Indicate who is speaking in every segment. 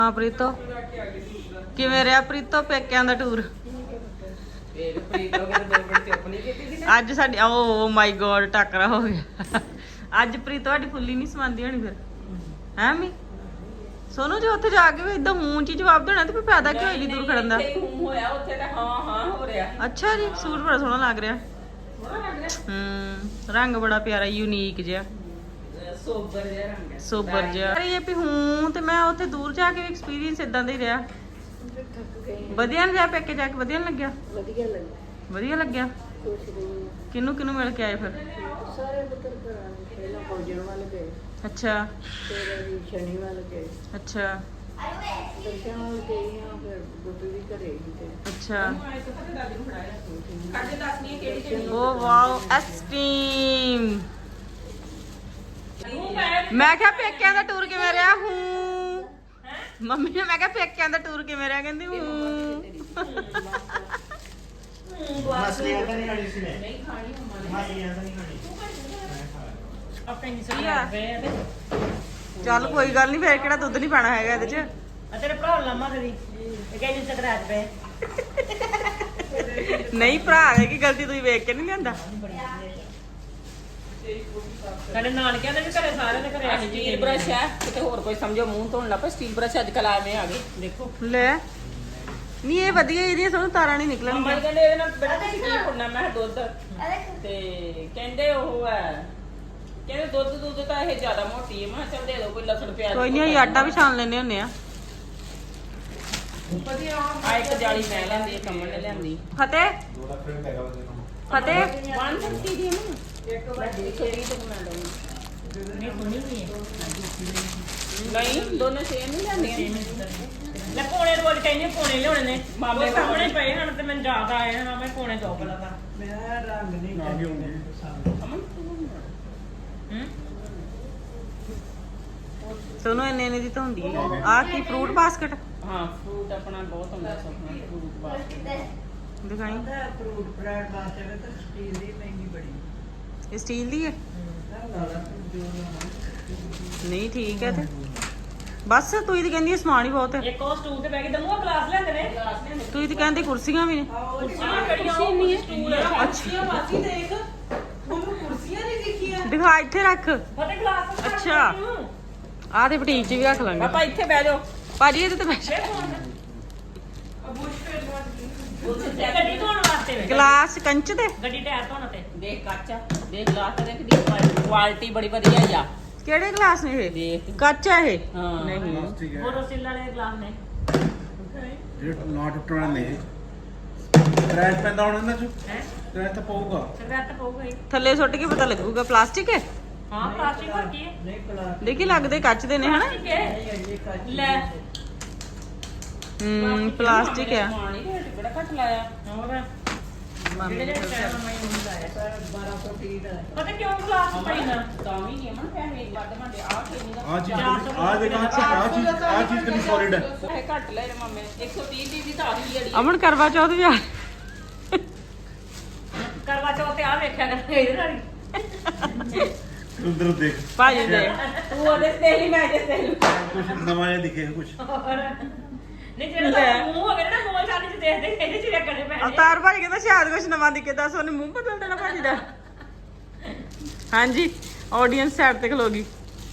Speaker 1: ਹਾਂ ਪ੍ਰੀਤੋ, ਕਿਵੇਂ ਰਿਹਾ ਪ੍ਰੀਤੋ ਪੇਕਿਆਂ ਦਾ ਟੂਰ? ਅੱਜ ਸਾਡੀ ਓ ਮਾਈ ਗੋਡ ਟੱਕਰਾ ਹੋ ਗਿਆ। ਅੱਜ ਪ੍ਰੀਤੋ ਸਾਡੀ ਫੁੱਲੀ ਨਹੀਂ ਸਮਾਂਦੀ ਹੋਣੀ ਫਿਰ ਹੈ ਮੀ ਸੋਨੂੰ ਜੇ ਉੱਥੇ ਜਾ ਕੇ ਵੀ ਇਦਾਂ ਹੂੰ ਚ ਜਵਾਬ ਦੇਣਾ ਤੇ ਫਿਰ ਫਾਇਦਾ ਕੀ ਹੋਏਗੀ ਦੂਰ ਖੜਨ ਦਾ।
Speaker 2: ਹੋਇਆ ਉੱਥੇ ਤਾਂ ਹਾਂ ਹਾਂ ਹੋ ਰਿਹਾ।
Speaker 1: ਅੱਛਾ ਜੀ, ਸੂਟ ਬੜਾ ਸੋਹਣਾ ਲੱਗ ਰਿਹਾ। ਰੰਗ ਬੜਾ ਪਿਆਰਾ ਯੂਨੀਕ ਜਿਹਾ,
Speaker 2: ਸੋਬਰ ਜਿਹਾ ਰੰਗ ਹੈ,
Speaker 1: ਸੋਬਰ ਜਿਹਾ। ਇਹ ਵੀ ਹੂੰ ਤੇ ਮੈਂ ਉੱਥੇ ਦੂਰ ਜਾ ਕੇ ਐਕਸਪੀਰੀਅੰਸ ਇਦਾਂ ਦਾ ਹੀ ਰਿਹਾ। ਵਧੀਆ ਨਾ ਜਾ ਪੇਕੇ ਜਾ ਕੇ ਵਧੀਆ ਨੀ ਲੱਗਿਆ?
Speaker 2: ਵਧੀਆ ਲੱਗਿਆ,
Speaker 1: ਵਧੀਆ ਲੱਗਿਆ। ਕਿਹਨੂੰ ਕਿਹਨੂੰ ਮਿਲ ਕੇ ਆਏ ਫਿਰ?
Speaker 2: ਸਾਰੇ ਪੁੱਤਰ ਘਰਾਂ ਨੂੰ ਪਹਿਲਾਂ ਫੌਜਣ ਵਾਲੇ ਗਏ,
Speaker 1: ਅੱਛਾ
Speaker 2: ਫਿਰ ਅਸੀਂ ਸ਼ਨੀ ਵਾਲੇ ਗਏ,
Speaker 1: ਅੱਛਾ
Speaker 2: ਦਰਸ਼ਨ ਵਾਲੇ ਗਏ ਆ, ਫਿਰ ਗੁੱਪੀ ਵੀ ਘਰੇ ਹੀ ਤੇ
Speaker 1: ਅੱਛਾ।
Speaker 2: ਕੱਢ ਦੱਸਣੀ ਕਿਹੜੀ
Speaker 1: ਓ ਵਾਓ ਐਸਟ੍ਰੀਮ। ਮੈਂ ਕਿਹਾ ਪੇਕਿਆਂ ਦਾ ਟੂਰ ਕਿਵੇਂ ਰਿਹਾ? ਹੂੰ ਮੰਮੀ ਨੇ ਮੈਂ ਕਿਹਾ ਪੇਕਿਆਂ ਦਾ ਟੂਰ ਕਿਵੇਂ ਰਿਹਾ? ਕਹਿੰਦੀ ਹੂੰ।
Speaker 3: ਮਸਲੀਆਂ ਤਾਂ ਨਹੀਂ ਖਾਣੀ ਸੀ ਨੇ,
Speaker 2: ਨਹੀਂ ਖਾਣੀ
Speaker 3: ਮਸਲੀਆਂ ਤਾਂ ਨਹੀਂ ਖਾਣੀ।
Speaker 2: ਆਪਣੀ
Speaker 1: ਕੀ ਆ? ਚੱਲ ਕੋਈ ਗੱਲ ਨਹੀਂ, ਫੇਰ ਕਿਹੜਾ ਦੁੱਧ ਨਹੀਂ ਪਾਣਾ ਹੈਗਾ ਇਹਦੇ ਚ।
Speaker 2: ਤੇਰੇ ਭਰਾ ਲਾਮਾ ਕਰੀ ਇਹ ਕਹਿੰਦੀ ਸਕਰਾਚ ਪਏ
Speaker 1: ਨਹੀਂ ਭਰਾ ਹੈ ਕੀ ਗਲਤੀ ਤੁਸੀਂ ਵੇਖ ਕੇ ਨਹੀਂ ਲਿਆਂਦਾ?
Speaker 2: ਸਾਡੇ ਨਾਨਕਿਆਂ ਦੇ ਵੀ ਘਰੇ ਸਾਰਿਆਂ ਦੇ ਘਰੇ ਸਟੀਲ ਬ੍ਰਸ਼ ਹੈ, ਕਿਤੇ ਹੋਰ ਕੋਈ ਸਮਝੋ ਮੂੰਹ ਧੋਣ ਲੱਗ ਪਏ। ਸਟੀਲ ਬ੍ਰਸ਼ ਅੱਜ ਕੱਲ ਆਵੇਂ ਆ ਗਏ, ਦੇਖੋ
Speaker 1: ਲੈ ਨਹੀਂ ਇਹ ਵਧੀਆ, ਇਹਦੀਆਂ ਸਾਨੂੰ ਤਾਰਾਂ ਨਹੀਂ
Speaker 2: ਮੰਮਾ
Speaker 1: ਨਿਕਲਣਗੀਆਂ।
Speaker 2: ਕਹਿੰਦੇ ਇਹਦੇ ਨਾਲ ਬੜਾ ਤੁਸੀਂ ਕੀ ਕਰਨਾ? ਮੈਂ ਕਿਹਾ ਦੁੱਧ, ਤੇ ਕਹਿੰਦੇ ਉਹ ਹੈ, ਕਹਿੰਦੇ ਦੁੱਧ ਤਾਂ ਇਹ ਜ਼ਿਆਦਾ ਮੋਟੀ ਹੈ। ਮੈਂ ਕਿਹਾ ਚੱਲ ਦੇ ਦਿਓ ਕੋਈ ਲਸਣ ਪਿਆਜ਼।
Speaker 1: ਕੋਈ ਨਹੀਂ, ਅਸੀਂ ਆਟਾ ਵੀ ਛਾਣ ਲੈਣੇ ਹੁੰਦੇ ਆ।
Speaker 2: ਆ ਇੱਕ ਜਾਲੀ ਮੈਂ ਲੈਂਦੀ, ਇੱਕ ਅਮਨ ਨੇ ਲਿਆਂਦੀ।
Speaker 1: ਫਤਿਹ ਫਤਿਹ
Speaker 2: 150 ਦੀ ਨਾ ਇੱਕ ਵੱਡੀ 120 ਤੋਂ ਬਣਾ ਲਵਾਂਗੀ। ਨਹੀਂ ਸੁਣੀ ਨਹੀਂ ਨਹੀਂ ਦੋਨੇ ਸੇਮ ਨਹੀਂ ਲੈਂਦੀਆਂ। ਲੈ ਪੌਣੇ ਰੋਜ਼ ਕਹਿੰਦੇ ਪੌਣੇ ਲਿਆਉਣੇ ਨੇ, ਮਾਮੇ ਸਾਹਮਣੇ ਪਏ ਹਨ ਤੇ ਮੈਨੂੰ ਜ਼ਿਆਦਾ ਆਏ ਹਨ। ਮੈਂ ਪੌਣੇ ਦੋ ਬਲਾ ਦਾ ਮੈਂ ਰੰਗ ਨਹੀਂ ਅਮਨ
Speaker 1: ਸੋਨੂੰ ਇੰਨੇ ਦੀ ਤਾਂ ਹੁੰਦੀ ਹੈ। ਆ ਕੀ ਫਰੂਟ ਬਾਸਕਟ?
Speaker 2: ਹਾਂ ਫਰੂਟ ਆਪਣਾ ਬਹੁਤ ਹੁੰਦਾ ਸੁਪਨਾ ਫਰੂਟ ਬਾਸਕਟ
Speaker 1: ਦਿਖਾਈ।
Speaker 2: ਫਰੂਟ ਬ੍ਰੈਡ ਬਾਸਕਟ ਤਾਂ ਸਟੀਲ ਦੀ ਮਹਿੰਗੀ ਬੜੀ।
Speaker 1: ਇਹ ਸਟੀਲ ਦੀ ਹੈ? ਨਹੀਂ ਠੀਕ ਹੈ ਤੇ ਬਸ ਤੂੰ ਹੀ ਤਾਂ ਕਹਿੰਦੀ ਸਮਾਨ ਹੀ ਬਹੁਤ ਹੈ।
Speaker 2: ਇੱਕ ਉਹ ਸਟੂਲ ਤੇ ਬੈ ਕੇ ਦਮੂਆ ਗਲਾਸ ਲੈਂਦੇ ਨੇ,
Speaker 1: ਤੂੰ ਹੀ ਤਾਂ ਕਹਿੰਦੀ ਕੁਰਸੀਆਂ ਵੀ ਨੇ।
Speaker 2: ਕੁਰਸੀਆਂ ਕਿਹੜੀਆਂ? ਉਹ ਨਹੀਂ ਸਟੂਲ
Speaker 1: ਅੱਛਾ
Speaker 2: ਬਾਕੀ ਦੇਖ ਉਹਨੂੰ ਕੁਰਸੀਆਂ ਨਹੀਂ ਦਿਖੀਆਂ।
Speaker 1: ਦਿਖਾ ਇੱਥੇ ਰੱਖ।
Speaker 2: ਫਤੇ ਗਲਾਸ
Speaker 1: ਅੱਛਾ। ਆਹ ਤੇ ਬੁਟੀਕ 'ਚ ਵੀ ਰੱਖ ਲਾਂਗੇ।
Speaker 2: ਪਾਪਾ ਇੱਥੇ ਬਹਿ ਜਾਓ।
Speaker 1: ਭਾਜੀ ਇਹਦੇ ਤੇ ਬੈਠ।
Speaker 2: ਗੱਡੀ ਧੋਣ ਵਾਸਤੇ ਵੇ
Speaker 1: ਗਲਾਸ ਕੰਚ ਦੇ?
Speaker 2: ਗੱਡੀ ਟਾਇਰ ਧੋਣ ਤੇ ਦੇਖ ਕੱਚ, ਦੇਖ ਗਲਾਸ ਤੇ ਦੇਖ ਦੀ ਕੁਆਲਿਟੀ ਬੜੀ ਵਧੀਆ ਆ।
Speaker 1: ਕਿਹੜੇ ਗਲਾਸ ਨੇ ਇਹ?
Speaker 2: ਦੇਖ
Speaker 1: ਕੱਚ ਆ ਇਹ?
Speaker 2: ਹਾਂ
Speaker 1: ਨਹੀਂ
Speaker 2: ਬੋਰੋਸਿਲ ਵਾਲੇ ਗਲਾਸ ਨੇ
Speaker 3: ਜਿਹੜੇ ਨਾ ਟੁੱਟਣ ਨੇ ਕਰੈਸ਼ ਪੈਂਦਾ ਹੁਣ ਇਹਨਾਂ ਚ,
Speaker 2: ਹੈ
Speaker 3: ਕਰੈਸ਼ ਤਾਂ ਪਊਗਾ।
Speaker 2: ਸਿਗਰਟ ਪਊਗਾ ਹੀ।
Speaker 1: ਥੱਲੇ ਸੁੱਟ ਕੇ ਪਤਾ ਲੱਗੂਗਾ। ਪਲਾਸਟਿਕ ਹੈ?
Speaker 2: ਹਾਂ ਪਲਾਸਟਿਕ ਹੋਰ ਕੀ ਹੈ? ਨਹੀਂ ਪਲਾਸਟਿਕ
Speaker 1: ਦੇਖੀ ਲੱਗਦੇ ਕੱਚ ਦੇ ਨੇ ਹਨਾ।
Speaker 2: ਲੈ
Speaker 1: ਪਲਾਸਟਿਕ ਆ।
Speaker 2: ਪਾਣੀ ਰੇਟ ਬੜਾ ਘੱਟ ਲਾਇਆ। ਹੋਰ
Speaker 1: ਮਾਮੀ ਨੇ ਦੱਸਿਆ।
Speaker 2: 1230 ਦਾ ਪਤਾ ਕਿਉਂ ਗਲਾਸ ਪਈ ਨਾ ਤਾਂ ਵੀ ਨਹੀਂ ਮਨ ਪੈਸੇ ਵੱਧ ਮੰਦੇ ਆ ਕੇ ਨਹੀਂ
Speaker 3: ਆ ਚੀਜ਼ ਆ ਚੀਜ਼ ਕਿੰਨੀ ਸੋਲਿਡ ਹੈ।
Speaker 2: ਇਹ ਘੱਟ ਲੈ ਰੇ ਮੰਮੇ 130 ਦੀ ਤਾਂ ਆ ਗਈ ਅੜੀ।
Speaker 1: ਅਮਨ ਕਰਵਾ ਚੌਥ ਵੀ ਆ।
Speaker 2: ਕਰਵਾ ਚੌਥ ਤੇ ਆ ਵੇਖਿਆ ਕਰ ਇਹਦੇ ਨਾਲ
Speaker 3: ਉਧਰ ਦੇਖ
Speaker 1: ਭਾਜੀ ਦੇ
Speaker 2: ਤੂੰ ਉਹਦੇ ਤੇ ਹੀ ਮੈਂ ਜਿਸ ਤੇ
Speaker 3: ਕੁਝ ਨਵਾਂ ਜਿਹਾ ਦਿਖੇ ਕੁਝ।
Speaker 2: ਨਹੀਂ ਜਿਹੜਾ ਮੂੰਹ ਹੋ ਗਿਆ ਨਾ ਗੋਲ ਛਾਤੀ ਚ ਦੇਖਦੇ ਇਹਦੇ ਚ ਵੇਖਣੇ ਪੈਣੇ।
Speaker 1: ਅਵਤਾਰ ਭਾਜੀ ਕਹਿੰਦਾ ਸ਼ਾਇਦ ਕੁਝ ਨਵਾਂ ਦਿਖੇ। ਦੱਸ ਉਹਨੇ ਮੂੰਹ ਬਦਲ ਦੇਣਾ ਭਾਜੀ ਦਾ। ਹਾਂਜੀ ऑडियंस साइड पे खलोगी।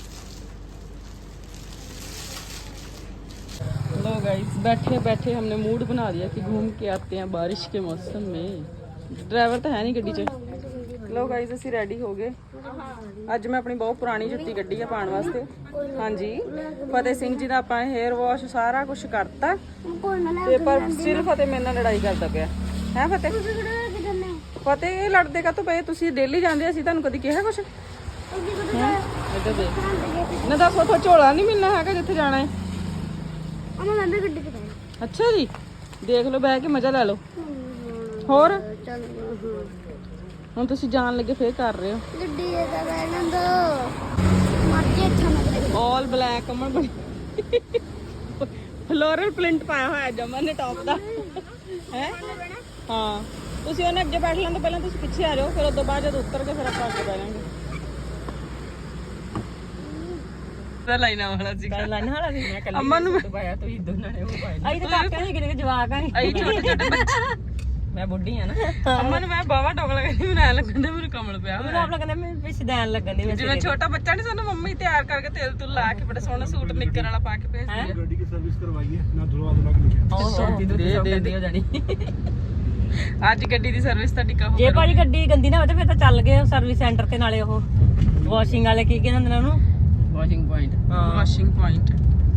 Speaker 1: लो गाइस बैठे बैठे हमने मूड बना दिया कि घूम के आते हैं बारिश के मौसम में। ड्राइवर तो है नहीं गड्डी च। लो गाइस ਅਸੀਂ ਰੈਡੀ ਹੋ ਗਏ। ਅੱਜ ਮੈਂ ਆਪਣੀ ਬਹੁਤ ਪੁਰਾਣੀ ਜੁੱਤੀ ਕੱਢੀ ਆ ਪਾਉਣ ਵਾਸਤੇ। ਹਾਂਜੀ ਫਤਿਹ ਸਿੰਘ ਜੀ ਦਾ ਆਪਾਂ ਹੇਅਰ ਵਾਸ਼ ਸਾਰਾ ਕੁਝ ਕਰਤਾ ਤੇ ਪਰ ਸਿਰਫ ਫਤਿਹ ਮੇਰੇ ਨਾਲ ਲੜਾਈ ਕਰਦਾ ਪਿਆ ਹੈ। ਫਤਿਹ ਫਤਿਹ ਇਹ ਲੜਦੇ ਕਾ ਤੋਂ ਪਏ? ਤੁਸੀਂ ਡੇਲੀ ਜਾਂਦੇ, ਅਸੀਂ ਤੁਹਾਨੂੰ ਕਦੀ ਕਿਹਾ ਕੁਛ? ਇੱਧਰ ਦੇਖ ਨਾ, ਦੱਸ ਉੱਥੋਂ ਝੋਲਾ ਨਹੀਂ ਮਿਲਣਾ ਹੈਗਾ ਜਿੱਥੇ ਜਾਣਾ ਹੈ। ਅੱਛਾ ਜੀ ਦੇਖ ਲਓ, ਬਹਿ ਕੇ ਮਜ਼ਾ ਲੈ ਲਓ। ਹੋਰ ਹੁਣ ਤੁਸੀਂ ਜਾਣ ਲੱਗੇ ਫੇਰ ਕਰ ਰਹੇ ਹੋ। ਆਲ ਬਲੈਕ ਅਮਨ ਬਣੀ ਫਲੋਰਲ ਪ੍ਰਿੰਟ ਪਾਇਆ ਹੋਇਆ ਜਮਨ ਨੇ ਟੌਪ ਦਾ ਹੈ। ਹਾਂ ਤੁਸੀਂ ਉਹਨੇ ਅੱਗੇ ਬੈਠ ਲੈਣ ਤੋਂ ਪਹਿਲਾਂ ਤੁਸੀਂ ਪਿੱਛੇ ਆ ਜਾਓ, ਫਿਰ ਉਸ ਤੋਂ ਬਾਅਦ ਜਦ ਉਤਰ ਕੇ ਫਿਰ ਆਪਾਂ ਅੱਗੇ ਬਹਿ ਜਾਵਾਂਗੇ। ਤਾਂ ਲਾਈਨਾਂ ਵਾਲਾ ਸੀ
Speaker 2: ਲਾਈਨ ਵਾਲਾ ਸੀ ਮੈਂ ਕੱਲੀ
Speaker 1: ਅਮਨ ਨੂੰ
Speaker 2: ਪਾਇਆ ਤੁਸੀਂ ਦੋਨਾਂ ਨੇ ਉਹ ਪਾਇਆ ਅਸੀਂ ਤਾਂ ਕਾਕੇ ਨਹੀਂ ਕਿਤੇ ਜਵਾਕ ਆ
Speaker 1: ਅਈ ਛੋਟੇ ਛੋਟੇ ਬੱਚੇ
Speaker 2: ਮੈਂ ਬੁੱਢੀ ਆ ਨਾ
Speaker 1: ਅਮਨ ਮੈਂ ਬਾਵਾ ਡੋਗਲਾ ਕਹਿੰਦੀ ਮੈਨੂੰ ਐ ਲੱਗਣ ਦੇ ਮੈਨੂੰ ਕਮਲ ਪਿਆ
Speaker 2: ਮੈਨੂੰ ਆਪ ਲੱਗਦਾ ਮੈਂ ਪਿਛਦੈਨ ਲੱਗਣ ਦੀ
Speaker 1: ਜਿਵੇਂ ਛੋਟਾ ਬੱਚਾ ਨਹੀਂ ਸਾਨੂੰ ਮੰਮੀ ਤਿਆਰ ਕਰਕੇ ਤੇਲ ਤੁਲ ਲਾ ਕੇ ਬੜਾ ਸੋਹਣਾ ਸੂਟ ਨਿੱਕਰ ਵਾਲਾ ਪਾ ਕੇ ਭੇਜਦੀ ਹੈ
Speaker 3: ਗੱਡੀ ਦੀ ਸਰਵਿਸ ਕਰਵਾਈ ਹੈ ਨਾ ਧੁਲਵਾ ਧੁਲਾ ਕੇ ਲਿਖਿਆ
Speaker 2: ਦੇ ਹੋ ਜਾਣੀ
Speaker 1: ਅੱਜ ਗੱਡੀ ਦੀ ਸਰਵਿਸ ਤਾਂ ਟਿਕਾ ਹੋ
Speaker 2: ਜੇ ਭਾਜੀ ਗੱਡੀ ਗੰਦੀ ਨਾ ਹੋਵੇ ਤਾਂ ਫਿਰ ਤਾਂ ਚੱਲ ਗਏ ਸਰਵਿਸ ਸੈਂਟਰ ਤੇ ਨਾਲੇ ਉਹ ਵਾਸ਼ਿੰਗ ਵਾਲੇ ਕੀ ਕਹਿੰਦੇ ਨੇ ਉਹਨੂੰ ਵਾਸ਼ਿੰਗ ਪੁਆਇੰਟ
Speaker 1: ਵਾਸ਼ਿੰਗ ਪੁਆਇੰਟ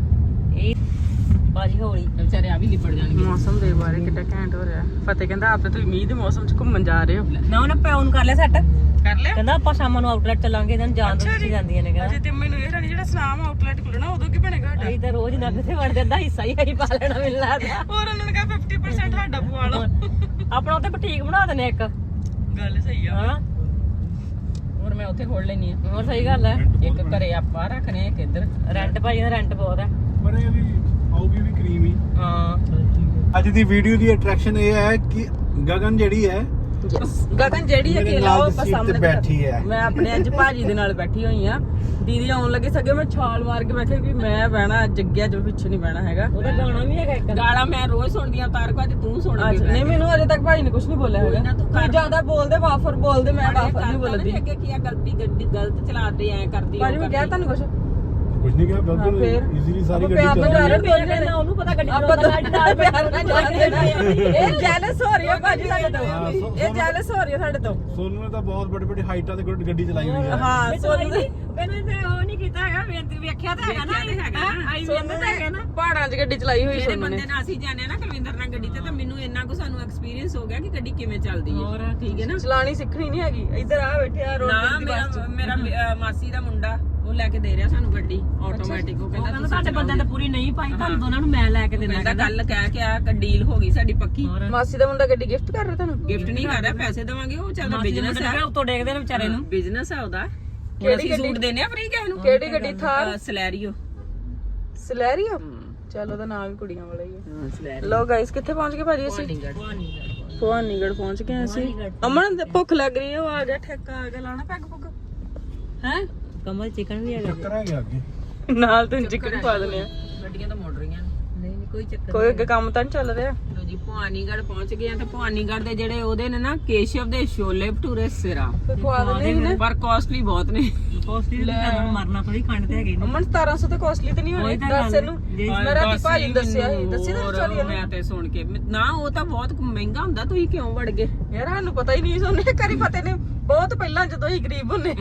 Speaker 2: ਇਹ ਭਾਜੀ ਹੌਲੀ ਵਿਚਾਰੇ ਆ ਵੀ ਲਿਪੜ ਜਾਣਗੇ
Speaker 1: ਮੌਸਮ ਦੇ ਬਾਰੇ ਕਿੱਡਾ ਘੈਂਟ ਹੋ ਰਿਹਾ ਫਤਿਹ ਕਹਿੰਦਾ ਆਪੇ ਤੁਸੀਂ ਮੀਂਹ ਦੇ ਮੌਸਮ 'ਚ ਘੁੰਮਣ ਜਾ ਰਹੇ ਹੋ
Speaker 2: ਨਾ ਉਹਨੇ ਪਿਓ ਨੂੰ ਕਰ ਲਿਆ ਸੈੱਟ
Speaker 1: ਕਰ ਲਿਆ
Speaker 2: ਕਹਿੰਦਾ ਆਪਾਂ ਸ਼ਾਮਾਂ ਨੂੰ ਆਊਟਲੈਟ ਚੱਲਾਂਗੇ ਇਹਨਾਂ ਨੂੰ ਜਾਣ ਦੋ ਤੁਸੀਂ ਜਾਂਦੀਆਂ ਨੇ
Speaker 1: ਅਜੇ ਤੇ ਮੈਨੂੰ ਇਹ ਰਾਣੀ ਜਿਹੜਾ ਸਨਾਮ ਆਊਟਲੈਟ ਖੁੱਲਣਾ ਉਦੋਂ ਕੀ ਬਣੇਗਾ ਸਾਡਾ
Speaker 2: ਅਸੀਂ ਤਾਂ ਰੋਜ਼ ਨਾ ਕਿਤੇ ਵੜਦੇ ਅੱਧਾ ਹਿੱਸਾ ਹੀ ਅਸੀਂ ਪਾ ਲੈਣਾ ਮੈਨੂੰ ਲੱਗਦਾ
Speaker 1: ਹੋਰ ਉਹਨਾਂ ਨੇ ਕਿਹਾ 50% ਸਾਡਾ ਪਵਾ ਲਓ
Speaker 2: ਆਪਣਾ ਉੱਥੇ ਬੁਟੀਕ ਬਣਾ ਦਨੇ ਇੱਕ
Speaker 1: ਗੱਲ ਸਹੀ ਆ
Speaker 2: ਹਾਂ
Speaker 1: ਹੋਰ ਮੈਂ ਉੱਥੇ ਖੋਲ ਲੈਣੀ ਆ
Speaker 2: ਹੋਰ ਸਹੀ ਗੱਲ ਹੈ
Speaker 1: ਇੱਕ ਘਰੇ ਆਪਾਂ ਰੱਖਨੇ ਇੱਕ ਇੱਧਰ
Speaker 2: ਰੈਂਟ ਭਾਜੀ ਦਾ ਰੈਂਟ ਬਹੁਤ ਹੈ
Speaker 3: ਪਰ ਇਹ ਵੀ ਆਊਗੀ ਵੀ ਕਰੀਮ ਹੀ
Speaker 1: ਹਾਂ
Speaker 3: ਅੱਜ ਦੀ ਵੀਡੀਓ ਦੀ ਅਟਰੈਕਸ਼ਨ ਇਹ ਹੈ ਕਿ ਗਗਨ ਜਿਹੜੀ ਹੈ
Speaker 1: ਗਗਨ ਜਿਹੜੀ
Speaker 3: ਮੇਰੇ
Speaker 1: ਅਕੇਲਾ
Speaker 3: ਨਾਲ
Speaker 1: ਉਹ
Speaker 3: ਦੀ ਸੀਟ
Speaker 1: ਸਾਹਮਣੇ
Speaker 3: ਤੇ ਬੈਠੀ ਹੈ।
Speaker 1: ਮੈਂ ਆਪਣੇ ਅੱਜ ਭਾਜੀ ਦੇ ਨਾਲ ਬੈਠੀ ਹੋਈ ਆ ਦੀਦੀ ਆਉਣ ਲੱਗੇ ਸਗੇ ਮੈਂ ਛਾਲ ਮਾਰ ਕੇ ਬੈਠੇ ਵੀ ਮੈਂ ਬਹਿਣਾ ਜੱਗਿਆ ਜੋ ਪਿੱਛੇ ਨਹੀਂ ਬਹਿਣਾ ਹੈਗਾ
Speaker 2: ਉਹਦਾ ਗਾਣਾ ਵੀ ਹੈਗਾ ਇੱਕ
Speaker 1: ਗਾਲਾਂ ਮੈਂ ਰੋਜ਼ ਸੁਣਦੀ ਆ ਤਾਰ ਕੋ ਅੱਜ ਤੂੰ ਸੁਣ ਨਹੀਂ ਮੈਨੂੰ ਅਜੇ ਤੱਕ ਭਾਜੀ ਨੇ ਕੁਝ ਨਹੀਂ ਬੋਲਿਆ ਹੈਗਾ ਤੂੰ ਜ਼ਿਆਦਾ ਬੋਲਦੇ ਵਾਫਰ ਬੋਲਦੇ ਮੈਂ ਵਾਫਰ ਨਹੀਂ ਬੋਲਦੀ
Speaker 2: ਅੱਗੇ ਕੀ ਆ ਗਲਤੀ ਗੱਡੀ ਗਲਤ ਚਲਾਤੇ ਐ ਕਰਦੀ
Speaker 1: ਭਾਜੀ ਮੈਂ ਕਿਹਾ ਤੁਹਾਨੂੰ ਕੁਝ
Speaker 3: ਕੁਝ ਨਹੀਂ ਕਿਹਾ
Speaker 1: ਹਾਂ,
Speaker 3: ਬਿਲਕੁਲ
Speaker 1: ਫਿਰ?
Speaker 3: ਈਜ਼ੀਲੀ ਸਾਰੀ
Speaker 1: ਆਪਾਂ
Speaker 3: ਗੱਡੀ
Speaker 1: ਪਿਆਰ ਨਾਲ
Speaker 3: ਚੱਲ
Speaker 1: ਜਾ ਰਹੇ
Speaker 3: ਰਹੀ ਹੈ।
Speaker 2: ਉਹਨੂੰ ਪਤਾ ਗੱਡੀ
Speaker 1: ਆਪਾਂ ਤਾਂ ਪਿਆਰ ਨਾਲ ਜਾ ਰਹੇ ਇਹ ਜੈਲਸ ਹੋ ਰਹੀ ਹੈ ਭਾਜੀ ਸਾਡੇ ਤੋਂ
Speaker 3: ਹਾਂ,
Speaker 1: ਇਹ ਜੈਲਸ ਹੋ ਰਹੀ ਹੈ ਸਾਡੇ ਤੋਂ
Speaker 3: ਸੋਨੂ ਨੇ ਤਾਂ ਬਹੁਤ ਵੱਡੀ ਵੱਡੀ ਹਾਈਟਾਂ ਤੇ ਗੱਡੀ ਚਲਾਈ ਹੋਈ ਹੈ
Speaker 1: ਹਾਂ ਸੋਨੂੰ ਦੇ
Speaker 2: ਮੈਨੂੰ ਤੇ ਉਹ ਨਹੀਂ ਕੀਤਾ ਹੈਗਾ ਬੇਨਤੀ ਵੇਖਿਆ ਤਾਂ ਹੈਗਾ ਨਾ ਆਈ
Speaker 1: ਸੋਨੂੰ ਤਾਂ ਹੈਗਾ ਨਾ ਪਹਾੜਾਂ 'ਚ ਗੱਡੀ ਚਲਾਈ ਹੋਈ
Speaker 4: ਜਿਹੜੇ
Speaker 1: ਸੋਨੂੰ ਨੇ
Speaker 4: ਬੰਦੇ ਨਾਲ ਅਸੀਂ ਜਾਂਦੇ ਆ ਨਾ ਕੁਲਵਿੰਦਰ ਨਾਲ ਗੱਡੀ ਤੇ ਤਾਂ ਮੈਨੂੰ ਇੰਨਾ ਕੁ ਸਾਨੂੰ ਐਕਸਪੀਰੀਅੰਸ ਹੋ ਗਿਆ ਕਿ ਗੱਡੀ ਕਿਵੇਂ ਚੱਲਦੀ ਹੈ
Speaker 2: ਹੋਰ
Speaker 4: ਠੀਕ ਹੈ ਨਾ
Speaker 1: ਚਲਾਣੀ ਸਿੱਖਣੀ ਨਹੀਂ ਹੈਗੀ ਇੱਧਰ ਆ ਬੈਠੇ ਆ ਰੋਡ
Speaker 4: ਨਾ
Speaker 1: ਦੀ ਬੱਸ 'ਚ
Speaker 4: ਮੇਰਾ ਮਾਸੀ ਦਾ ਮੁੰਡਾ ਉਹ ਲੈ ਕੇ ਦੇ ਰਿਹਾ ਸਾਨੂੰ ਗੱਡੀ ਆਟੋਮੈਟਿਕ ਉਹ ਕਹਿੰਦਾ ਤੁਸੀਂ
Speaker 2: ਸਾਡੇ ਬੰਦਿਆਂ ਤੇ ਪੂਰੀ ਨਹੀਂ ਪਾਈ ਤੁਹਾਨੂੰ ਦੋਨਾਂ ਨੂੰ ਮੈਂ ਲੈ ਕੇ ਦੇਣਾ
Speaker 4: ਕਹਿੰਦਾ ਗੱਲ ਕਹਿ ਕੇ ਆ ਕਿ ਡੀਲ ਹੋ ਗਈ ਸਾਡੀ ਪੱਕੀ
Speaker 1: ਮਾਸੀ ਦਾ ਮੁੰਡਾ ਗੱਡੀ ਗਿਫਟ ਕਰ ਰਿਹਾ ਤੁਹਾਨੂੰ
Speaker 4: ਗਿਫਟ ਨਹੀਂ ਕਰ ਰਿਹਾ ਪੈਸੇ ਦੇਵਾਂਗੇ ਉਹ ਚੱਲਦਾ ਬਿਜ਼ਨਸ ਹੈ
Speaker 2: ਉੱਤੋਂ ਦੇਖਦੇ ਨੇ ਵਿਚਾਰੇ ਨੂੰ
Speaker 4: ਬਿਜ਼ਨਸ ਹੈ ਉਹਦਾ
Speaker 1: ਕਿਹੜੀ
Speaker 4: ਅਸੀਂ
Speaker 1: ਗੱਡੀ?
Speaker 4: ਸੂਟ ਦੇਨੇ ਆ ਫ੍ਰੀ ਕਿਸੇ ਨੂੰ
Speaker 1: ਕਿਹੜੀ ਗੱਡੀ ਥਾਰ
Speaker 4: ਸਲੈਰੀਓ
Speaker 1: ਸਲੈਰੀਓ ਚਲ ਉਹਦਾ ਨਾਮ ਵੀ ਕੁੜੀਆਂ ਵਾਲਾ ਹੀ ਹੈ
Speaker 4: ਸਲੈਰੀ
Speaker 1: ਲੋ ਗਾਇਸ ਕਿੱਥੇ ਪਹੁੰਚ ਗਏ ਭਾਜੀ ਅਸੀਂ ਭਵਾਨੀਗੜ੍ਹ ਪਹੁੰਚ ਗਏ ਅਸੀਂ ਅਮਨ ਤੇ ਭੁੱਖ ਲੱਗ ਰਹੀ ਹੈ ਉਹ ਆ ਗਿਆ ਠੇਕਾ ਆ ਗਿਆ ਲਾਣਾ ਪੈਗ ਪੁੱਗ ਹੈ
Speaker 2: ਕਮਲ ਚਿਕਨ ਵੀ ਹੈਗਾ
Speaker 3: ਚੱਕਰ ਆ ਗਿਆ ਅੱਗੇ
Speaker 1: ਨਾਲ ਤੈਨੂੰ ਚਿਕਨ ਪਾ ਦਨੇ ਆ
Speaker 4: ਗੱਡੀਆਂ ਤਾਂ ਮੁੜ ਰਹੀਆਂ ਨੇ
Speaker 2: ਨਹੀਂ ਕੋਈ ਚੱਕਰ
Speaker 1: ਕੋਈ ਅੱਗੇ ਕੰਮ ਤਾਂ ਨਹੀਂ ਚੱਲ ਰਿਹਾ
Speaker 4: ਲੋ ਜੀ ਭਵਾਨੀਗੜ੍ਹ ਪਹੁੰਚ ਗਏ ਆ ਤੇ ਭਵਾਨੀਗੜ੍ਹ ਦੇ ਜਿਹੜੇ ਉਹਦੇ ਨੇ ਨਾ ਕੇਸ਼ਵ ਦੇ ਛੋਲੇ ਭਟੂਰੇ ਸਿਰਾ
Speaker 1: ਫਿਰ ਖਵਾ ਦਿੰਦੇ ਨੇ
Speaker 4: ਪਰ ਕਾਸਟਲੀ ਬਹੁਤ ਨੇ
Speaker 2: ਪੋਸਟੀ ਤੇ ਤੁਹਾਨੂੰ ਮਰਨਾ ਥੋੜੀ ਖੰਡ ਤੇ ਹੈਗੀ
Speaker 1: ਅਮਨ 1700 ਤਾਂ ਕਾਸਟਲੀ ਤੇ ਨਹੀਂ ਹੋਣੀ ਦੱਸ ਇਹਨੂੰ ਮੈਂ ਰਾਤੀ ਭਾਜੀ ਨੂੰ ਦੱਸਿਆ ਸੀ ਦੱਸੀ ਤਾਂ ਵਿਚਾਰੀ ਇਹਨੂੰ
Speaker 4: ਮੈਂ ਤੇ ਸੁਣ ਕੇ ਨਾ ਉਹ ਤਾਂ ਬਹੁਤ ਮਹਿੰਗਾ ਹੁੰਦਾ ਤੁਸੀਂ ਕਿਉਂ ਵੜ ਗਏ
Speaker 1: ਯਾਰ ਸਾਨੂੰ ਪਤਾ ਹੀ ਨਹੀਂ ਸੋਨੇ ਕਰੀ ਪਤੇ ਨੇ ਬਹੁਤ ਪਹਿਲਾਂ ਜਦੋਂ ਹੀ ਗਰੀਬ ਹੁੰਨੇ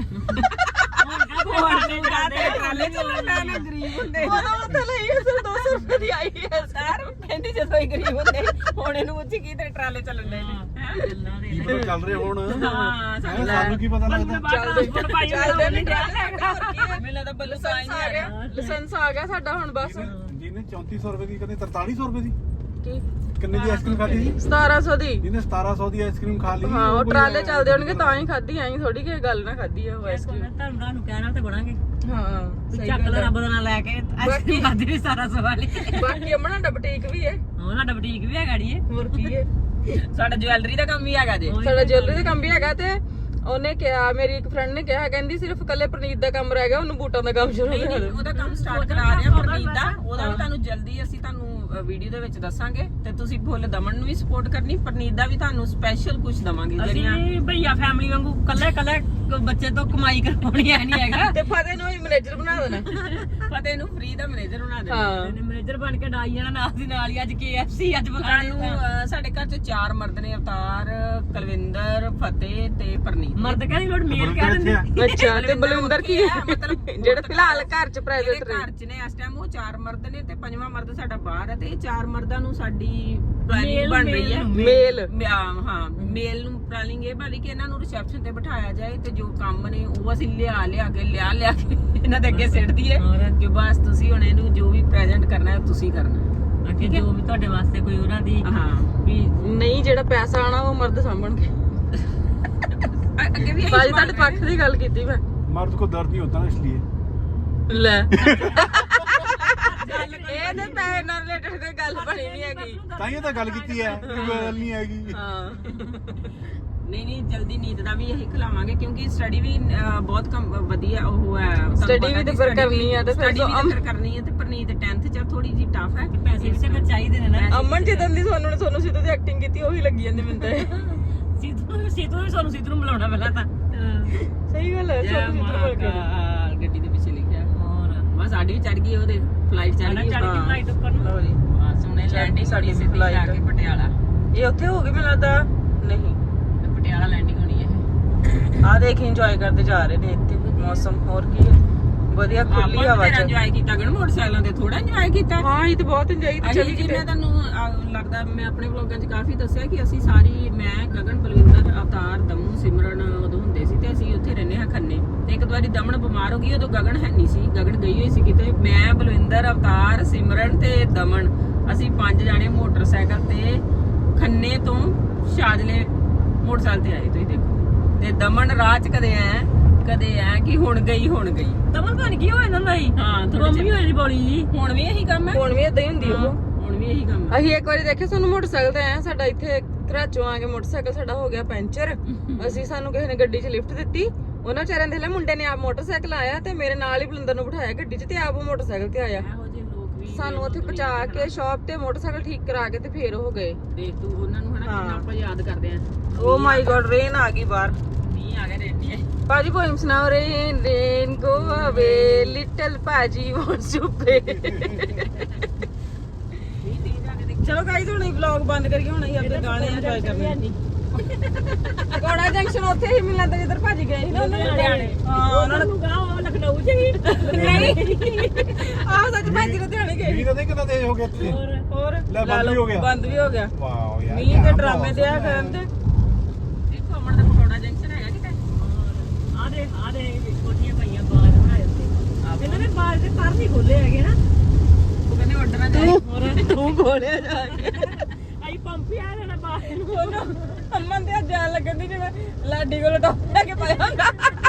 Speaker 4: ਟਰਾਲੇ ਚੱਲਣਾ ਨਾ ਗਰੀਬ ਹੁੰਦੇ
Speaker 1: ਉਹਦਾ ਉੱਥੇ ਲਈ ਸਿਰ 200 ਰੁਪਏ ਦੀ ਆਈ ਹੈ
Speaker 4: ਸਰ ਕਹਿੰਦੀ ਜਦੋਂ ਹੀ ਗਰੀਬ ਹੁੰਦੇ ਹੁਣ ਇਹਨੂੰ ਉੱਚੀ ਕੀ ਤੇ ਟਰਾਲੇ ਚੱਲਣ ਦੇ ਨੇ
Speaker 3: ਕੀ ਪਤਾ ਚੱਲ ਰਹੇ ਹੁਣ
Speaker 4: ਹਾਂ
Speaker 3: ਹੈਂ, ਸਾਨੂੰ ਕੀ ਪਤਾ ਲੱਗਦਾ
Speaker 1: ਚੱਲਦੇ ਨਹੀਂ
Speaker 4: ਮੈਨੂੰ ਲੱਗਦਾ ਬੱਲੂ ਸਾਈਂ
Speaker 1: ਲਾਇਸੈਂਸ ਆ ਗਿਆ ਲਾਇਸੈਂਸ ਆ ਗਿਆ ਸਾਡਾ ਹੁਣ ਬਸ
Speaker 3: ਜਿਹਨੇ 3400 ਰੁਪਏ ਦੀ ਕਹਿੰਦੇ 4300 ਰੁਪਏ ਦੀ
Speaker 1: ਕੀ
Speaker 3: ਕਿੰਨੇ ਦੀ ਆਈਸਕ੍ਰੀਮ ਖਾਧੀ ਸੀ
Speaker 1: 1700 ਦੀ
Speaker 3: ਜਿਹਨੇ 1700 ਦੀ ਆਈਸਕ੍ਰੀਮ ਖਾ ਲਈ
Speaker 1: ਹਾਂ ਉਹ ਟਰਾਲੇ ਚੱਲਦੇ ਹੋਣਗੇ ਤਾਂ ਹੀ ਖਾਧੀ ਆਈ ਥੋੜੀ ਕਿ ਗੱਲ ਨਾ ਖਾਧੀ ਆ ਉਹ ਆਈਸਕ੍ਰੀਮ
Speaker 2: ਤੁਹਾਨੂੰ ਕਹਿਣਾ ਤੇ ਬਣਾਂਗੇ
Speaker 1: ਹਾਂ ਸਹੀ
Speaker 2: ਚੱਕ
Speaker 1: ਗੱਲ
Speaker 2: ਲੋ
Speaker 1: ਆ।
Speaker 2: ਰੱਬ ਦਾ ਨਾਂ ਲੈ ਕੇ ਆਈਸਕ੍ਰੀਮ ਖਾਦੀ ਵੀ ਸਾਰਾ ਸਵਾਲ
Speaker 1: ਬਾਕੀ ਅਮਨਾ ਦਾ ਬੁਟੀਕ ਵੀ ਹੈ
Speaker 2: ਉਹ ਸਾਡਾ ਬੁਟੀਕ ਵੀ ਹੈਗਾ ੜੀ
Speaker 1: ਹੋਰ ਕੀ ਹੈ
Speaker 4: ਸਾਡਾ ਜਵੈਲਰੀ ਦਾ ਕੰਮ ਵੀ ਹੈਗਾ ਜੇ
Speaker 1: ਸਾਡਾ ਜੁਐਲਰੀ ਦਾ ਕੰਮ ਵੀ ਹੈਗਾ ਤੇ ਉਹਨੇ ਕਿਹਾ ਮੇਰੀ ਇੱਕ ਫਰੈਂਡ ਨੇ ਕਿਹਾ ਕਹਿੰਦੀ ਸਿਰਫ ਕੱਲੇ ਪ੍ਰਨੀਤ ਦਾ ਕੰਮ ਰਹਿ ਗਿਆ ਉਹਨੂੰ ਬੂਟਾਂ ਦਾ ਕੰਮ ਸ਼ੁਰੂ ਕਰ ਦੇ
Speaker 4: ਉਹਦਾ ਕੰਮ ਸਟਾਰਟ ਕਰਾ ਰਹੇ ਆ ਪ੍ਰਨੀਤ ਦਾ ਉਹਦਾ ਵੀ ਤੁਹਾਨੂੰ ਜਲਦੀ ਅਸੀਂ ਤੁਹਾਨੂੰ ਵੀਡੀਓ ਦੇ ਵਿੱਚ ਦੱਸਾਂਗੇ ਤੇ ਤੁਸੀਂ ਫੁੱਲ ਦਮਨ ਨੂੰ ਵੀ ਸਪੋਰਟ ਕਰਨੀ ਪ੍ਰਨੀਤ ਦਾ ਵੀ ਤੁਹਾਨੂੰ ਸਪੈਸ਼ਲ ਕੁਝ ਦਵਾਂਗੇ ਜਿਹੜੀਆਂ
Speaker 2: ਅਸੀਂ ਭਈਆ ਫੈਮਿਲੀ ਵਾਂਗੂ ਕੱਲੇ ਕੱਲੇ ਬੱਚੇ ਤੋਂ ਕਮਾਈ ਕਰਵਾਉਣੀ ਐ ਨਹੀਂ ਹੈਗਾ
Speaker 1: ਤੇ ਫਤਿਹ ਨੂੰ ਹੀ ਮੈਨੇਜਰ ਬਣਾ ਦੇਣਾ
Speaker 4: ਫਤਿਹ ਨੂੰ ਫ੍ਰੀ ਦਾ ਮੈਨੇਜਰ ਬਣਾ ਦੇਣਾ
Speaker 1: ਹਾਂ
Speaker 2: ਮੈਨੇਜਰ ਬਣ ਕੇ ਡਾਈ ਜਾਣਾ ਨਾਲ ਦੀ ਨਾਲ ਹੀ ਅੱਜ KFC ਅੱਜ ਬੁਲਾਣੇ
Speaker 4: ਸਾਨੂੰ ਸਾਡੇ ਘਰ ਚ 4 ਮਰਦ ਨੇ ਅਵਤਾਰ ਕੁਲਵਿੰਦਰ ਫਤਿਹ ਤੇ ਪ੍ਰਨੀਤ
Speaker 2: ਮਰਦ ਕਹਿੰਦੀ ਲੋੜ ਮੇਲ ਕਹਿ ਦਿੰਦੇ
Speaker 1: ਅੱਛਾ ਤੇ ਬਲਵਿੰਦਰ ਕੀ
Speaker 4: ਮਤਲਬ
Speaker 1: ਜਿਹੜੇ ਫਿਲਹਾਲ ਘਰ ਚ ਪ੍ਰਾਈਵੇਟ
Speaker 4: ਜਿਹੜੇ ਘਰ ਚ ਨੇ ਇਸ ਟਾਈਮ ਉਹ 4 ਮਰਦ ਨੇ ਤੇ 5ਵਾਂ ਮਰਦ ਸਾਡਾ ਬਾਹਰ ਹੈ ਤੇ ਇਹ 4 ਮਰਦਾਂ ਨੂੰ ਸਾਡੀ ਪਲਾਨਿੰਗ ਬਣ ਰਹੀ ਹੈ
Speaker 1: ਮੇਲ
Speaker 4: ਹਾਂ ਮੇਲ ਨੂੰ ਪਲਾਨਿੰਗ ਇਹ ਬਣੀ ਕਿ ਇਹਨਾਂ ਨੂੰ ਰਿਸੈਪਸ਼ਨ ਤੇ ਬਿਠਾਇਆ ਜਾਏ ਤੇ ਜੋ ਕੰਮ ਨੇ ਉਹ ਅਸੀਂ ਲਿਆ ਕੇ ਇਹਨਾਂ ਦੇ ਅੱਗੇ ਸਿੱਟ ਦਈਏ ਕਿ ਬਸ ਤੁਸੀਂ ਹੁਣ ਇਹਨੂੰ ਜੋ ਵੀ ਪ੍ਰੈਜ਼ੈਂਟ ਕਰਨਾ ਹੈ ਤੁਸੀਂ ਕਰਨਾ
Speaker 2: ਅੱਗੇ ਜੋ ਵੀ ਤੁਹਾਡੇ ਵਾਸਤੇ ਕੋਈ ਉਹਨਾਂ ਦੀ
Speaker 4: ਹਾਂ
Speaker 2: ਵੀ
Speaker 1: ਨਹੀਂ ਜਿਹੜਾ ਪੈਸਾ ਆਣਾ ਉਹ ਮਰਦ ਸਾਂਭਣਗੇ
Speaker 4: ਅੱਗੇ ਵੀ ਇਹੀ
Speaker 1: ਬਾਜੀ ਤੁਹਾਡੇ ਪੱਖ ਦੀ ਗੱਲ ਕੀਤੀ ਮੈਂ
Speaker 3: मर्द को दर्द नहीं होता ना इसलिए
Speaker 1: ਲੈ ਇਹਦੇ ਪੈਸੇ ਨਾਲ ਰਿਲੇਟਡ ਕੋਈ ਗੱਲ ਬਣੀ ਨਹੀਂ ਹੈਗੀ
Speaker 3: ਤਾਂ ਹੀ ਤਾਂ ਗੱਲ ਕੀਤੀ ਹੈ ਕੋਈ ਗੱਲ ਨਹੀਂ ਹੈਗੀ
Speaker 1: ਹਾਂ
Speaker 4: ਨਹੀਂ ਜਲਦੀ ਨੀਂਦ ਦਾ ਵੀ ਇਹੀ ਖਿਲਾਵਾਂਗੇ ਕਿਉਂਕਿ ਸਟੱਡੀ ਵੀ ਬਹੁਤ ਵਧੀਆ ਉਹ ਹੈ
Speaker 1: Study ਵੀ ਤੇ ਫਿਰ ਕਰਨੀ ਆ ਤੇ ਫਿਰ
Speaker 4: ਸਟੱਡੀ ਵੀ ਤੇ ਫਿਰ ਕਰਨੀ ਹੈ ਤੇ ਪਰਨੀਤ 10th ਚ ਥੋੜੀ ਜੀ ਟਫ ਹੈ
Speaker 2: ਪੈਸੇ ਵੀ ਤੇ ਫਿਰ ਚਾਹੀਦੇ ਨੇ ਨਾ
Speaker 1: ਅਮਨ ਜਿੱਦਾਂ ਦੀ ਤੁਹਾਨੂੰ ਸਿੱਧੂ ਦੀ ਐਕਟਿੰਗ ਕੀਤੀ ਉਹੀ ਲੱਗੀ ਜਾਂਦੀ ਮੈਨੂੰ ਤਾਂ
Speaker 2: ਸੀਤੂ ਵੀ ਸਾਨੂੰ ਸੀਤੂ ਨੂੰ ਬੁਲਾਉਣਾ ਪਹਿਲਾਂ ਤਾਂ
Speaker 1: ਸਹੀ ਗੱਲ ਹੈ
Speaker 4: ਜੈ ਮਹਾਕਾਲ ਗੱਡੀ ਦੇ ਪਿੱਛੇ ਲਿਖਿਆ ਬਸ ਸਾਡੀ ਵੀ ਚੜ ਗਈ ਉਹਦੇ ਫਲਾਈਟ ਚੜ ਗਈ
Speaker 2: ਚੜ ਕੇ ਫਲਾਈਟ ਉੱਪਰ ਨੂੰ
Speaker 1: ਲਓ ਜੀ
Speaker 4: ਬਸ ਹੁਣੇ ਲੈਂਡਿੰਗ ਸਾਡੀ ਸਿੱਧੀ ਜਾ ਕੇ ਪਟਿਆਲਾ
Speaker 1: ਇਹ ਉੱਥੇ ਹੋ ਗਈ ਮੈਨੂੰ ਲੱਗਦਾ ਨਹੀਂ
Speaker 4: ਤੇ ਪਟਿਆਲਾ ਲੈਂਡਿੰਗ ਹੋਣੀ ਹੈ
Speaker 1: ਆ ਦੇਖ ਇੰਜੋਏ ਕਰਦੇ ਜਾ ਰਹੇ ਨੇ ਇੱਥੇ ਮੌਸਮ ਹੋਰ ਕੀ ਹੈ ਵਧੀਆ ਖੁੱਲੀ ਹਵਾ ਚ
Speaker 4: ਇੰਜੋਏ ਕੀਤਾ ਗਣ ਮੋਟਰਸਾਈਕਲਾਂ ਤੇ ਥੋੜਾ ਇੰਜੋਏ ਕੀਤਾ
Speaker 1: ਹਾਂ ਇਹ ਤਾਂ ਬਹੁਤ ਇੰਜੋਏ ਕੀਤੀ
Speaker 4: ਚਲੀ ਜੀ ਮੈਂ ਤੁਹਾਨੂੰ ਲੱਗਦਾ ਮੈਂ ਆਪਣੇ ਵਲੋਗਾਂ 'ਚ ਕਾਫੀ ਦੱਸਿਆ ਕਿ ਅਸੀਂ ਸਾਰੀ ਮੈਂ ਗਗਨ ਬਲਵਿੰਦਰ ਅਵਤਾਰ ਦਮੂ ਸਿਮਰਨ ਉਦੋਂ ਹੁੰਦੇ ਸੀ ਤੇ ਅਸੀਂ ਉੱਥੇ ਰਹਿੰਦੇ ਹਾਂ ਖੰਨੇ ਤੇ ਇੱਕ ਵਾਰੀ ਦਮਨ ਬਿਮਾਰ ਹੋ ਗਈ ਉਦੋਂ ਗਗਨ ਹੈ ਨਹੀਂ ਸੀ ਗਗਨ ਗਈ ਹੋਈ ਸੀ ਕਿਤੇ ਮੈਂ ਬਲਵਿੰਦਰ ਅਵਤਾਰ ਸਿਮਰਨ ਤੇ ਦਮਨ ਅਸੀਂ 5 ਜਾਣੇ ਮੋਟਰਸਾਈਕਲ ਤੇ ਖੰਨੇ ਤੋਂ ਸ਼ਾਜਲੇ ਮੋਟਰਸਾਈਕਲ ਤੇ ਆਏ ਤੁਸੀਂ ਦੇਖੋ ਤੇ ਦਮਨ ਰਾਹ 'ਚ ਕਦੇ ਐ ਕਿ ਹੁਣ ਗਈ
Speaker 2: ਤਮਨ ਬਣ ਗਈ ਹੋਏ ਨਾ ਨਹੀਂ
Speaker 4: ਹਾਂ
Speaker 2: ਮੰਮੀ ਹੋਏ ਦੀ ਬੋਲੀ ਜੀ
Speaker 4: ਹੁਣ ਵੀ ਇਹੀ ਕੰਮ ਹੈ
Speaker 1: ਹੁਣ ਵੀ ਇਦਾਂ ਹੀ ਹੁੰਦੀ ਉਹ
Speaker 4: ਹੁਣ ਵੀ ਇਹੀ ਕੰਮ ਹੈ
Speaker 1: ਅਸੀਂ ਇੱਕ ਵਾਰੀ ਦੇਖਿਆ ਸਾਨੂੰ ਮੋਟਰਸਾਈਕਲ ਤੇ ਆਇਆ ਸਾਡਾ ਇੱਥੇ ਘਰਾਚੋਂ ਆ ਕੇ ਮੋਟਰਸਾਈਕਲ ਸਾਡਾ ਹੋ ਗਿਆ ਪੈਂਚਰ ਅਸੀਂ ਸਾਨੂੰ ਕਿਸੇ ਨੇ ਗੱਡੀ 'ਚ ਲਿਫਟ ਦਿੱਤੀ ਉਹਨਾਂ ਵਿਚਾਰਿਆਂ ਦੇ ਲੈ ਮੁੰਡੇ ਨੇ ਆਪ ਮੋਟਰਸਾਈਕਲ ਆਇਆ ਤੇ ਮੇਰੇ ਨਾਲ ਹੀ ਬਲਿੰਦਰ ਨੂੰ ਬਿਠਾਇਆ ਗੱਡੀ 'ਚ ਤੇ ਆਪ ਉਹ ਮੋਟਰਸਾਈਕਲ ਤੇ ਆਇਆ
Speaker 4: ਇਹੋ ਜਿਹੇ ਲੋਕ ਵੀ
Speaker 1: ਸਾਨੂੰ ਉੱਥੇ ਪਹੁੰਚਾ ਕੇ ਸ਼ਾਪ ਤੇ ਮੋਟਰਸਾਈਕਲ ਠੀਕ ਕਰਾ ਕੇ ਤੇ ਫੇਰ ਉਹ ਗਏ
Speaker 4: ਦੇਖ ਤੂੰ ਉਹਨਾਂ ਨੂੰ ਹਨਾ ਕਿੰਨਾ ਆਪਾਂ ਯਾਦ ਕਰਦੇ ਆਂ
Speaker 1: ਓ ਮਾਈ ਗॉड ਰੇਨ ਆ ਗਈ ਬਾਹਰ
Speaker 4: ਨਹੀਂ ਆ ਗਏ ਰੇਡੀ
Speaker 1: ਭਾਜੀ ਪੋਇਮ ਸੁਣਾਓ ਰੇਨ ਗੋ ਅਵੇ ਲਿਟਲ ਭਾਜੀ ਵਾਂਟਸ ਟੂ ਪੇ ਚਲੋ ਗਾਈਸ ਹੁਣ ਇਹ ਵਲੌਗ ਬੰਦ ਕਰੀਏ ਹੁਣ ਅਸੀਂ ਆਪਣੇ ਗਾਣੇ ਇੰਜੋਏ ਕਰਨੇ ਕੋੜਾ ਜੰਕਸ਼ਨ ਉੱਥੇ ਹੀ ਮਿਲਣਾ ਤਾਂ ਜਿੱਧਰ ਭਾਜੀ ਗਏ ਸੀ ਨਾ ਉਹਨਾਂ ਨੇ ਹਾਂ ਉਹਨਾਂ ਨੂੰ
Speaker 2: ਗਾਉਂ ਲਖਨਊ ਚ ਹੀ
Speaker 1: ਆਹ ਸੱਚ ਭਾਜੀ ਲੁਧਿਆਣੇ ਗਏ
Speaker 3: ਵੀ ਤਾਂ ਕਿੰਨਾ ਤੇਜ਼ ਹੋ ਗਿਆ ਇੱਥੇ
Speaker 1: ਹੋਰ
Speaker 3: ਲੈ ਬੰਦ ਵੀ ਹੋ ਗਿਆ
Speaker 1: ਬੰਦ ਵੀ ਹੋ ਗਿਆ
Speaker 3: ਵਾਓ ਯਾਰ
Speaker 1: ਮੀਂਹ ਤੇ ਡਰਾਮੇ ਤੇ ਆ ਕਰਨ ਤੇ
Speaker 4: ਦੇਖੋ ਅਮਨ ਦਾ ਪਕੌੜਾ ਜੰਕਸ਼ਨ ਹੈਗਾ ਕਿਤੇ
Speaker 2: ਆ ਦੇ ਕੋਠੀਆਂ ਪਈਆਂ ਬਾਹਰ ਬਣਾਏ ਉੱਤੇ ਇਹਨਾਂ ਨੇ ਬਾਹਰ ਦੇ ਪਰ ਨਹੀਂ ਖੋਲੇ ਹੈਗੇ ਨਾ
Speaker 4: ਉਹ ਕਹਿੰਦੇ ਆਰਡਰ ਆ ਜਾਏ
Speaker 1: ਤੂੰ ਖੋਲਿਆ ਜਾ ਕੇ
Speaker 2: ਆਈ ਪੰਪ ਆ ਲੈਣਾ ਬਾਹਰ ਨੂੰ
Speaker 1: ਉਹਨੂੰ ਅਮਨ ਤੇ ਜਾਣ ਲੱਗਣ ਦੀ ਜਿਵੇਂ ਲਾਡੀ ਕੋਲ ਟੌਪ ਲੈ ਕੇ ਪਾਇਆ ਹੁੰਦਾ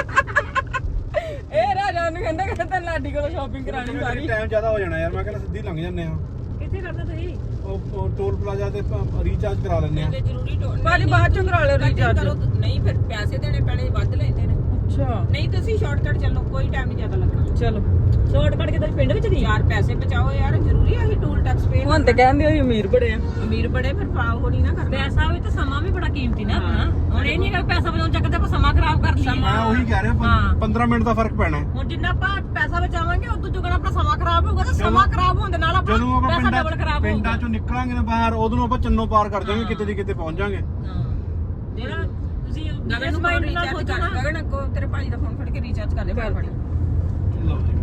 Speaker 1: ਇਹ ਰਾਜਾ ਨੂੰ ਕਹਿੰਦਾ ਲਾਡੀ ਕੋਲ ਸ਼ਾਪਿੰਗ ਕਰਾਣੀ ਸਾਰੀ
Speaker 3: ਟਾਈਮ ਜ਼ਿਆਦਾ ਹੋ ਜਾਣਾ ਯਾਰ ਮੈਂ ਕਹਿੰਦਾ ਸਿੱਧੀ ਲੰਘ ਜਾਂਦੇ ਆ
Speaker 2: ਕਿੱਥੇ ਕਰਦਾ ਤੁਸੀਂ
Speaker 3: ਉਹ ਟੋਲ ਪਲਾਜ਼ਾ ਤੇ ਰੀਚਾਰਜ ਕਰਾ ਲੈਂਦੇ ਆ
Speaker 4: ਤੇ ਜ਼ਰੂਰੀ
Speaker 1: ਭਾਜੀ ਬਾਅਦ ਚੋਂ ਕਰਾ ਲਿਓ ਰੀਚਾਰਜ
Speaker 4: ਨਹੀਂ ਫਿਰ ਪੈਸੇ ਦੇਣੇ ਪੈਣੇ ਵੱਧ ਲੈਂਦੇ ਨੇ
Speaker 1: ਅੱਛਾ
Speaker 4: ਨਹੀਂ ਤੁਸੀਂ ਸ਼ਾਰਟਕਟ ਚੱਲੋ ਕੋਈ ਟਾਈਮ ਨਹੀਂ ਜ਼ਿਆਦਾ ਲੱਗਣਾ
Speaker 1: ਚਲੋ
Speaker 2: ਸ਼ਾਰਟ ਕੱਟ ਕੇ ਤੁਸੀਂ ਪਿੰਡ ਵਿੱਚ ਦੀ
Speaker 4: ਯਾਰ ਪੈਸੇ ਬਚਾਓ ਯਾਰ ਜ਼ਰੂਰੀ ਹੈ ਇਹ ਟੂਲ ਟੈਕਸ ਪੇ
Speaker 1: ਹੁਣ ਤੇ ਕਹਿੰਦੇ ਹੋਈ ਅਮੀਰ ਬੜੇ ਆ
Speaker 4: ਅਮੀਰ ਬੜੇ ਫਿਰ ਪਾਓ ਹੋ ਨਹੀਂ ਨਾ ਕਰਨਾ
Speaker 2: ਪੈਸਾ ਵੀ ਤੇ ਸਮਾਂ ਵੀ ਬੜਾ ਕੀਮਤੀ ਨਾ ਆਪਣਾ ਹੁਣ ਇਹ ਨਹੀਂ ਕਿ ਪੈਸਾ ਬਚਾਉਣ ਚੱਕਦੇ ਆਪਾਂ ਸਮਾਂ ਖਰਾਬ ਕਰ ਲਈਏ
Speaker 3: ਮੈਂ ਉਹੀ ਕਹਿ ਰਿਹਾ 15 ਮਿੰਟ ਦਾ ਫਰਕ ਪੈਣਾ
Speaker 2: ਹੁਣ ਜਿੰਨਾ ਆਪਾਂ ਪੈਸਾ ਬਚਾਵਾਂਗੇ ਉਦੋਂ ਦੁੱਗਣਾ ਆਪਣਾ ਸਮਾਂ ਖਰਾਬ ਹੋਊਗਾ ਤੇ ਸਮਾਂ ਖਰਾਬ ਹੋਣ ਦੇ ਨਾਲ ਆਪਣਾ
Speaker 3: ਜਦੋਂ ਆਪਾਂ
Speaker 2: ਪੈਸਾ ਡਬਲ ਖਰਾਬ ਹੋਊਗਾ
Speaker 3: ਪਿੰਡਾਂ ਚੋਂ ਨਿਕਲਾਂਗੇ ਨਾ ਬਾਹਰ ਉਦੋਂ ਨੂੰ ਆਪਾਂ ਚੰਨੋ ਪਾਰ ਕਰ ਜਾਵਾਂਗੇ ਕਿਤੇ ਦੀ ਕਿਤੇ ਪਹੁੰਚ ਜਾਾਂਗੇ
Speaker 2: ਜਿਹੜਾ ਤੁਸੀਂ
Speaker 4: ਗਗਨ ਨੂੰ
Speaker 2: ਮਾਈਂਡ ਨਾਲ
Speaker 4: ਰੀਚਾਰਜ ਕਰ
Speaker 2: ਸੋਚੋ ਨਾ
Speaker 4: ਗਗਨ ਕੋ ਤੇਰੇ ਭਾਈ ਦਾ ਫੋਨ ਫੜ ਕੇ ਰੀਚਾਰਜ ਕਰ ਦੇ ਫਟਾਫਟ
Speaker 3: ਲਓ ਜੀ